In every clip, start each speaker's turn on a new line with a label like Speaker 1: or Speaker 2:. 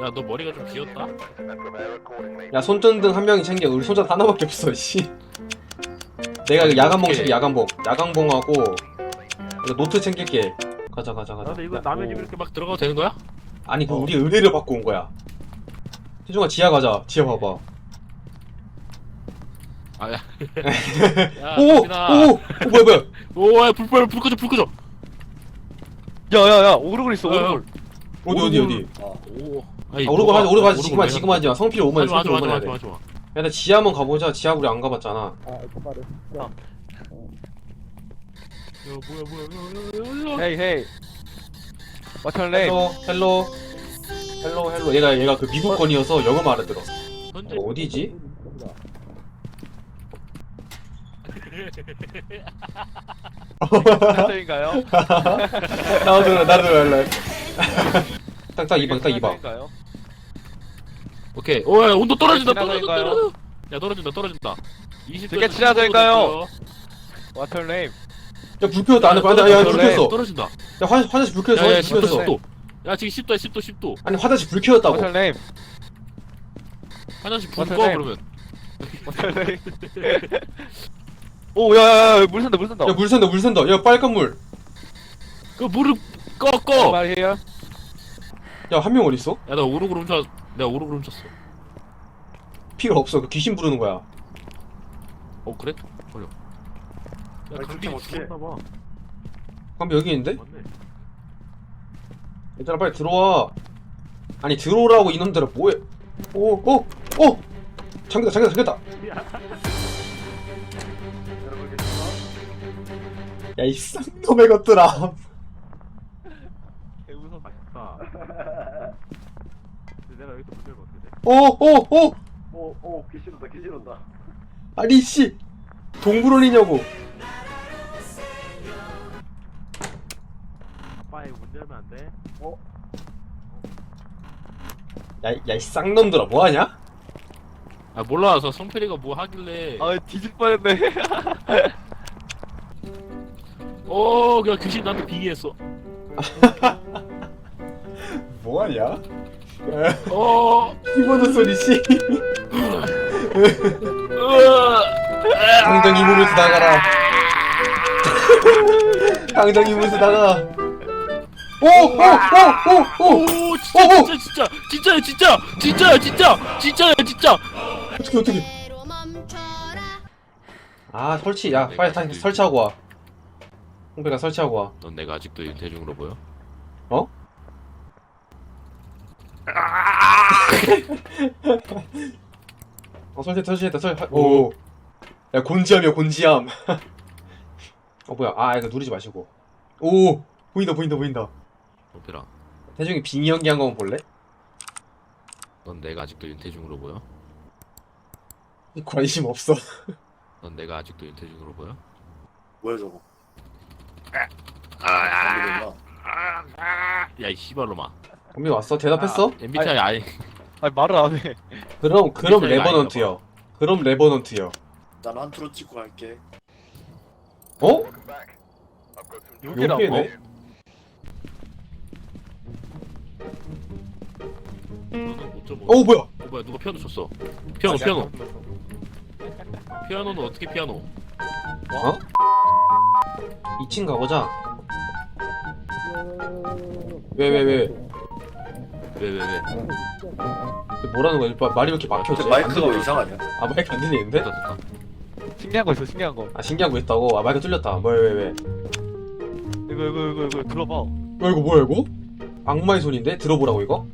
Speaker 1: 야, 너 머리가 좀 비었다?
Speaker 2: 야 손전등 한 명이 챙겨. 우리 손전등 하나밖에 없어. 씨. 내가 그 야간봉 챙겨. 야간봉. 야간봉하고 이거 노트 챙길게. 가자.
Speaker 1: 아, 근데 이거 남의 집 이렇게 막 들어가도 되는 거야?
Speaker 2: 아니 그 우리 의뢰를 받고 온 거야. 태중아 지하 가자. 지하 봐봐.
Speaker 1: 아, 야. 야,
Speaker 2: 오!
Speaker 1: 정민아.
Speaker 2: 오! 뭐야?
Speaker 1: 오, 야, 불 꺼져.
Speaker 3: 야야야 오르골 있어 오르골.
Speaker 2: 어디?
Speaker 1: 오.
Speaker 2: 아, 오르고 하지. 지금 하지 마. 성필 5만 성필 5만 해야 돼.
Speaker 1: 하지 마.
Speaker 2: 야, 나 지하 한번 가보자. 지하 우리 안 가봤잖아.
Speaker 3: 아
Speaker 1: 야, 뭐야.
Speaker 3: 헤이 헤이. What's your name?
Speaker 2: 헬로. 얘가 그 미국 건이어서 영어 알아들어.
Speaker 1: 현재
Speaker 2: 어디지?
Speaker 3: 친화적인가요?
Speaker 2: 나도 할래. 딱 2방.
Speaker 3: 친화적인가요?
Speaker 1: 오케이. 오, 야, 온도 떨어진다.
Speaker 3: 지나가니까요?
Speaker 1: 야, 떨어진다. 20도.
Speaker 3: 되게 친하다니까요? What's your name?
Speaker 2: 야, 불 켜졌다. 안에 야, 불 켜졌어.
Speaker 1: 떨어진다.
Speaker 2: 야, 화장실 불 켜졌어.
Speaker 1: 야,
Speaker 2: 화장실 불
Speaker 1: 10도,
Speaker 2: 켜졌어.
Speaker 1: 10도. 야, 지금 10도야.
Speaker 2: 아니, 화장실 불 켜졌다고.
Speaker 3: What's your name?
Speaker 1: 화장실 불
Speaker 3: What's
Speaker 1: 꺼,
Speaker 3: your name?
Speaker 1: 그러면.
Speaker 3: What's your name? 오 야야야 물 샌다.
Speaker 2: 야, 물 샌다. 야, 빨간 물.
Speaker 1: 그 물을 꺼.
Speaker 3: 말 here.
Speaker 2: 야, 한 명 어딨어?
Speaker 1: 야, 내가 오르고 훔쳤어.
Speaker 2: 필요 없어. 그 귀신 부르는 거야.
Speaker 1: 어, 그래? 버려. 야,
Speaker 4: 아니,
Speaker 1: 강빈이
Speaker 4: 그렇게
Speaker 1: 죽었나봐.
Speaker 2: 그럼 여기 있는데?
Speaker 1: 맞네.
Speaker 2: 얘들아, 빨리 들어와. 아니, 들어오라고 이놈들아. 뭐해? 오! 잠겼다.
Speaker 4: 여러분 계시죠?
Speaker 2: 야, 이 쌍놈의 것들아.
Speaker 3: 개 무섭다.
Speaker 1: 맛있다. 근데 내가 여기서 문 열면 어떻게 돼?
Speaker 4: 오 귀신 온다.
Speaker 2: 아니, 씨. 동물원이냐고.
Speaker 1: 아빠 이거 문 열면 안 돼?
Speaker 2: 야, 이 쌍놈들아. 뭐하냐?
Speaker 1: 아, 몰라서 성필이가 뭐 하길래.
Speaker 3: 아 뒤질 뻔했네.
Speaker 1: 그냥 귀신 나한테 빙의했어.
Speaker 2: 뭐하냐?
Speaker 1: 키보드
Speaker 2: 키보드 소리 씨. 당장 이문을 나가라. 당장 이문을 나가. 오!
Speaker 1: 진짜야.
Speaker 2: 어떻게? 아, 설치. 야, 빨리 다시 설치하고 와. 홍배가 설치하고 와.
Speaker 1: 넌 내가 아직도 윤태중으로 보여?
Speaker 2: 어? 설치했다. 오. 야, 곤지암이야, 곤지암. 뭐야. 아, 이거 누르지 마시고. 오! 보인다.
Speaker 1: 성필아,
Speaker 2: 태중이 빙의 연기한 거 한번 볼래?
Speaker 1: 넌 내가 아직도 윤태중으로 보여?
Speaker 2: 관심 없어.
Speaker 1: 넌 내가 아직도 윤태중으로 보여?
Speaker 4: 뭐야 저거?
Speaker 1: 야, 이 씨발로마.
Speaker 2: 범비 왔어? 대답했어?
Speaker 1: MBTI 아니.
Speaker 3: 아니 말을 안 해.
Speaker 2: 그럼
Speaker 1: 미사일
Speaker 2: 레버넌트요.
Speaker 4: 난 한투로 찍고 갈게.
Speaker 2: 어?
Speaker 3: 여기라고?
Speaker 2: 여기네?
Speaker 1: 너는 못 좀.
Speaker 2: 뭐야?
Speaker 1: 뭐야, 누가 피아노 쳤어? 피아노는 어떻게 피아노?
Speaker 2: 어? 2층 가보자. 왜?
Speaker 1: 왜?
Speaker 2: 뭐라는 거야? 말이 왜 이렇게 막혀지?
Speaker 4: 근데
Speaker 2: 안
Speaker 4: 마이크가 왜
Speaker 2: 들려.
Speaker 4: 이상하냐?
Speaker 2: 아, 마이크 안 들리는데?
Speaker 1: 됐다.
Speaker 3: 신기한 거 있어 신기한 거.
Speaker 2: 아, 신기한 거 있다고? 아, 마이크 뚫렸다. 왜?
Speaker 3: 이거 들어봐.
Speaker 2: 이거 뭐야, 이거? 악마의 손인데? 들어보라고, 이거?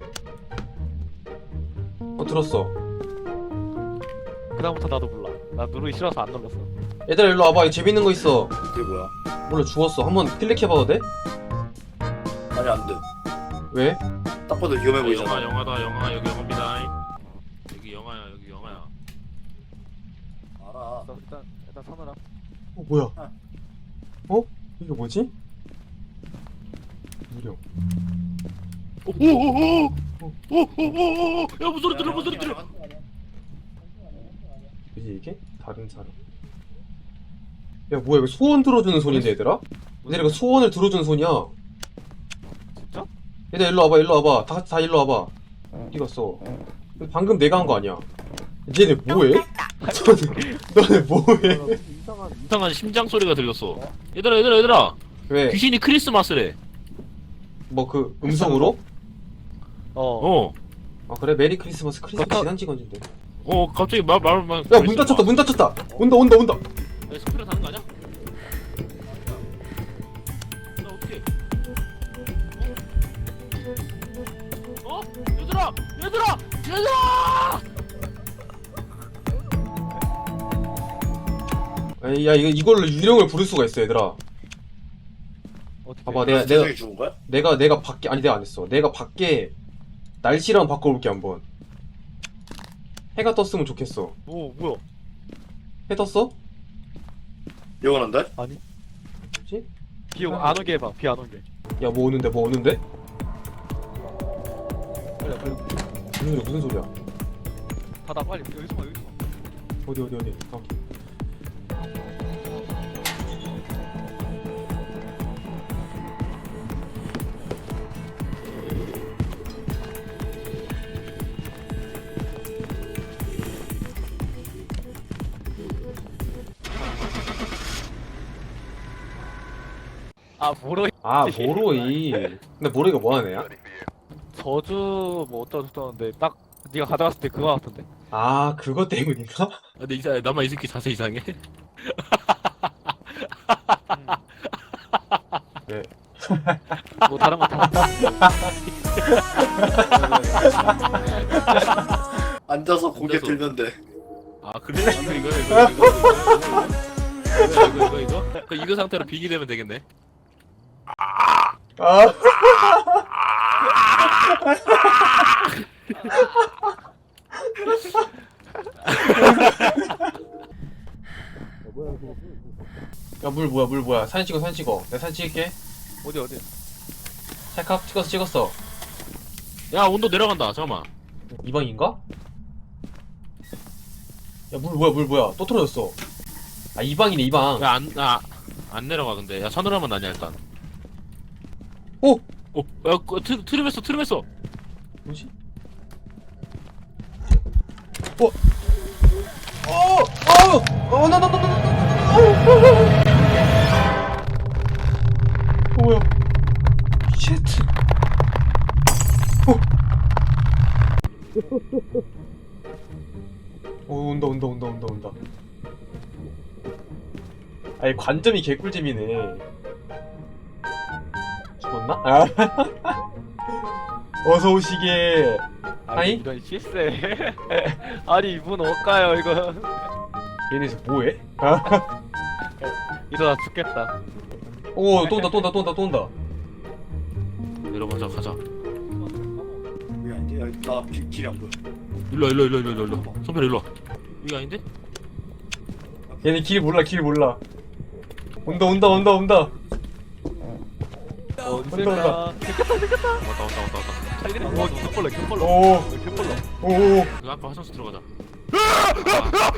Speaker 2: 들었어.
Speaker 3: 그다음부터 나도 몰라. 나 누르기 싫어서 안 눌렀어.
Speaker 2: 얘들아, 일로 와봐. 이거 재밌는 거 있어.
Speaker 4: 그게 뭐야?
Speaker 2: 몰라, 주웠어. 한번 클릭해봐도 돼?
Speaker 4: 아니 안 돼.
Speaker 2: 왜?
Speaker 4: 딱 봐도 위험해 보이잖아.
Speaker 1: 영화 여기 영화입니다. 여기 영화야.
Speaker 4: 알아.
Speaker 3: 일단 서느라.
Speaker 2: 뭐야? 이게 뭐지? 무령.
Speaker 1: 야, 무슨 소리 들려?
Speaker 2: 뭐지, 이게? 다른 사람. 야, 뭐야, 이거 소원 들어주는 손인데, 얘들아? 얘들아, 이거 소원을 들어주는 손이야.
Speaker 3: 진짜?
Speaker 2: 얘들아, 일로 와봐. 다 일로 와봐. 어디 갔어? 방금 내가 한 거 아니야? 쟤네 뭐해? 너네 뭐해?
Speaker 1: 이상한 심장 소리가 들렸어. 얘들아.
Speaker 2: 왜?
Speaker 1: 귀신이 크리스마스래.
Speaker 2: 뭐 그 음성으로?
Speaker 3: 어.
Speaker 2: 아 그래? 메리 크리스마스 크리스마스
Speaker 3: 그렇다.
Speaker 2: 지난 시간인데.
Speaker 1: 갑자기 말.
Speaker 2: 야 문 닫혔다 문 닫혔다. 온다.
Speaker 1: 스피드 타는 거 아니야? 나 어떻게? 얘들아!
Speaker 2: 에이, 야 이걸로 유령을 부를 수가 있어 얘들아.
Speaker 3: 어떻게?
Speaker 2: 봐봐
Speaker 4: 내가
Speaker 2: 내가
Speaker 4: 죽은 거야?
Speaker 2: 내가 밖에 아니 내가 안 했어. 내가 밖에 날씨랑 바꿔볼게 한번. 해가 떴으면 좋겠어.
Speaker 3: 오 뭐야?
Speaker 2: 해 떴어?
Speaker 4: 영원한데?
Speaker 3: 아니
Speaker 2: 뭐지?
Speaker 3: 비 안 오게 해봐. 비 안 오게.
Speaker 2: 야 뭐 오는데?
Speaker 3: 그래 그래.
Speaker 2: 무슨 소리야?
Speaker 3: 닫아 빨리. 여기서 봐.
Speaker 2: 어디?
Speaker 3: 아 모로
Speaker 2: 아 모로이. 근데 모로이가 뭐하는 애야?
Speaker 3: 저주 뭐 어쩌는데 딱 네가 가져갔을 때 그거 같은데.
Speaker 2: 아 그거 때문인가?
Speaker 1: 근데 이상해. 나만 이 새끼 자세 이상해.
Speaker 2: 네.
Speaker 3: 뭐 다른 거 다.
Speaker 4: 앉아서 고개
Speaker 1: 앉아서.
Speaker 4: 들면 돼.
Speaker 1: 아 그래? 이거 상태로 빙이 되면 되겠네.
Speaker 2: 아 야 물 뭐야 사진 찍어 내가 사진 찍을게.
Speaker 3: 어디?
Speaker 2: 찰칵 찍었어.
Speaker 1: 야 온도 내려간다. 잠깐만.
Speaker 2: 이 방인가? 야 물 뭐야 또 틀어졌어. 아 이 방이네 이 방.
Speaker 1: 안 내려가 근데. 야 서늘하면 나냐 일단.
Speaker 2: 오!
Speaker 1: 야 트림했어.
Speaker 2: 뭐지? 나 뭐야? 쉣. 온다. 아니 관점이 개꿀잼이네. 죽었나? 아. 어서 오시게. 하이?
Speaker 3: 이런 실세. 아니 문 어까요 이거.
Speaker 2: 얘네서 뭐해?
Speaker 3: 이러다 죽겠다.
Speaker 2: 오, 또 온다.
Speaker 1: 내려가자 가자.
Speaker 4: 여기 아닌데? 여기 나 길이 안 보여.
Speaker 1: 일로. 선배 일로 와. 이거 아닌데?
Speaker 2: 얘네 길 몰라. 온다.
Speaker 3: 어디
Speaker 2: 온다.
Speaker 3: 있을까?
Speaker 1: 왔다.
Speaker 3: 오 겹벌러.
Speaker 2: 오.
Speaker 3: 겹벌러.
Speaker 2: 오.
Speaker 1: 이거 아까 화장실 들어가자.